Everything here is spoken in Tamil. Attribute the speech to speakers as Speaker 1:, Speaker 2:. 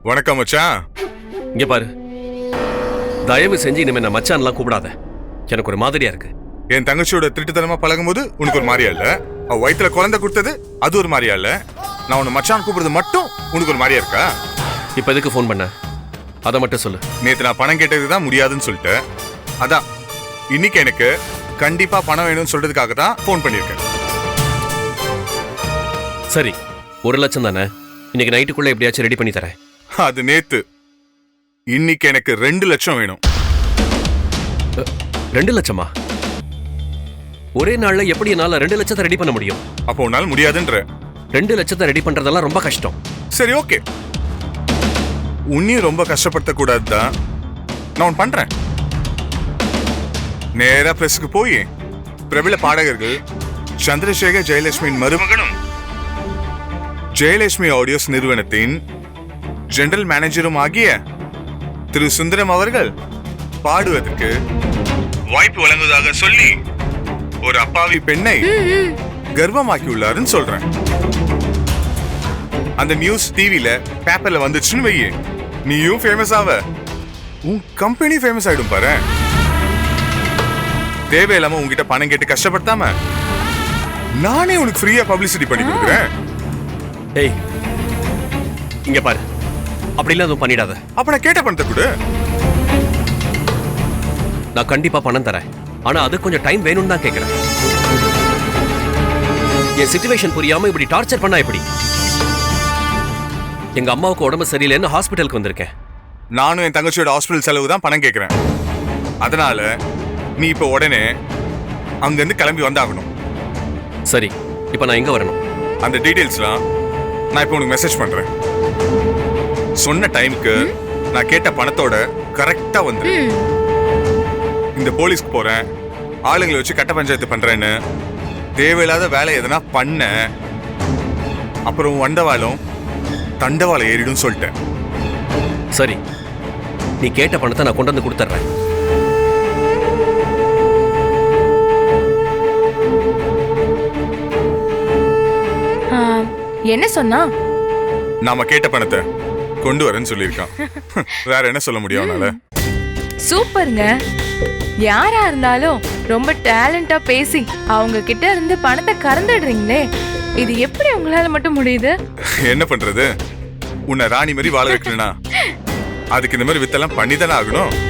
Speaker 1: வணக்கம் மச்சான்.
Speaker 2: இங்க பாரு, தயவு செஞ்சு இனிமே நான் மச்சான்லாம் கூப்பிடாத. எனக்கு ஒரு மாதிரியா இருக்கு.
Speaker 1: என் தங்கச்சியோட திருட்டுத்தனமா பழகும்போது உனக்கு ஒரு மாதிரியா இல்ல? அவ வயித்துல குழந்தை கொடுத்தது அது ஒரு மாதிரியா இல்ல? நான் உன்னை மச்சான் கூப்பிடுறது மட்டும் உனக்கு ஒரு மாதிரியா இருக்கா?
Speaker 2: இப்ப எதுக்கு ஃபோன் பண்ண? அதை மட்டும் சொல்லு.
Speaker 1: நேத்து நான் பணம் கேட்டதுதான் முடியாதுன்னு சொல்லிட்டேன். அதான் இன்னைக்கு எனக்கு கண்டிப்பா பணம் வேணும்னு சொல்றதுக்காக தான் ஃபோன் பண்ணிருக்கேன்.
Speaker 2: சரி, 1 லட்சம் தானே? இன்னைக்கு நைட்டுக்குள்ள எப்படியாச்சும் ரெடி பண்ணி தரேன்.
Speaker 1: அது நேத்து. இன்னைக்கு எனக்கு 2 லட்சம் வேணும்.
Speaker 2: 2 லட்சமா? ஒரே நாள்ல எப்படி என்னால 2 லட்சத்தை ரெடி பண்ண முடியும்?
Speaker 1: அப்போ உன்னால முடியாதுன்ற?
Speaker 2: 2 லட்சத்தை ரெடி பண்றதெல்லாம் ரொம்ப கஷ்டம்.
Speaker 1: சரி, ஓகே. உன்னையும் ரொம்ப கஷ்டப்படுத்த கூடாதுதான் நான் ஒன்னு பண்றேன். நேரா பிரஸுக்கு போய் பிரபல பாடகர்கள் சந்திரசேகர் ஜெயலட்சுமியின் மருமகனும் ஜெயலட்சுமி ஆடியோஸ் நிறுவனத்தின் ஜெனரல் மேனேஜரும் ஆகிய திரு சுந்தரம் அவர்கள் பாடுவதற்கு வாய்ப்பு வழங்குவதாக சொல்லி ஒரு அப்பாவி பெண்ணை கர்ப்பமாக்கியுள்ளாருன்னு சொல்றேன். அந்த நியூஸ் டிவில பேப்பர்ல வந்துச்சுன்னு வையே, நீயும் ஃபேமஸ் ஆவ, உன் கம்பெனி ஃபேமஸ் ஆயிடும் பாரு. தேவையில்லாம உங்ககிட்ட பணம் கேட்டு கஷ்டப்படுத்தாம நானே உனக்கு ஃப்ரீயா பப்ளிசிட்டி பண்ணி கொடுக்குறேன்.
Speaker 2: ஏய், இங்க பாரு, அப்படிலாம் எதுவும் பண்ணிடாத.
Speaker 1: அப்ப நான் கேட்ட பணத்தை கொடு.
Speaker 2: நான் கண்டிப்பா பணம் தரேன். ஆனா அது கொஞ்சம் டைம் வேணும்னு தான் கேட்கிறேன். என் சிச்சுவேஷன் புரியாம இப்படி டார்ச்சர் பண்ணா எப்படி? எங்க அம்மாவுக்கு உடம்பு சரியில்லைன்னு ஹாஸ்பிட்டலுக்கு வந்திருக்கேன்.
Speaker 1: நானும் என் தங்கச்சியோட ஹாஸ்பிட்டல் செலவு தான் பணம் கேட்கிறேன். அதனால நீ இப்ப உடனே அங்க இருந்து கிளம்பி வந்தாகணும்.
Speaker 2: சரி, இப்ப நான் எங்க வரணும்?
Speaker 1: அந்த டீடைல்ஸ்லாம் நான் இப்ப உனக்கு மெசேஜ் பண்றேன். சொன்ன டைமுக்கு நான் கேட்ட பணத்தோட கரெக்டா வந்து இந்த போலீஸ்க்கு போறேன், ஆளுங்களை வச்சு கட்ட பஞ்சாயத்து பண்றேன்னு தேவையில்லாத வேலை எதனா பண்ண அப்புறம் வண்டவாளம் தண்டவாளம் ஏறிடும் சொல்லிட்டேன்.
Speaker 2: சரி, நீ கேட்ட பணத்தை நான் கொண்டு வந்து கொடுத்துட்றேன்.
Speaker 3: என்ன சொன்னா?
Speaker 1: நாம கேட்ட பணத்தை கொண்டு வரேன்னு சொல்லியிருக்கான். வேற என்ன சொல்ல முடியும் அவனால?
Speaker 3: சூப்பருங்க. யாரா இருந்தாலும் ரொம்ப டேலண்டா பேசி அவங்க கிட்ட இருந்து பணத்தை கறந்துடுறீங்களே, இது எப்படி உங்களால மட்டும் முடியுது?
Speaker 1: என்ன பண்றது, உன்னை ராணி மாதிரி வாழ வைக்கணும்னா அதுக்கு இந்த மாதிரி வித்தெல்லாம் பண்ணிதானே ஆகணும்.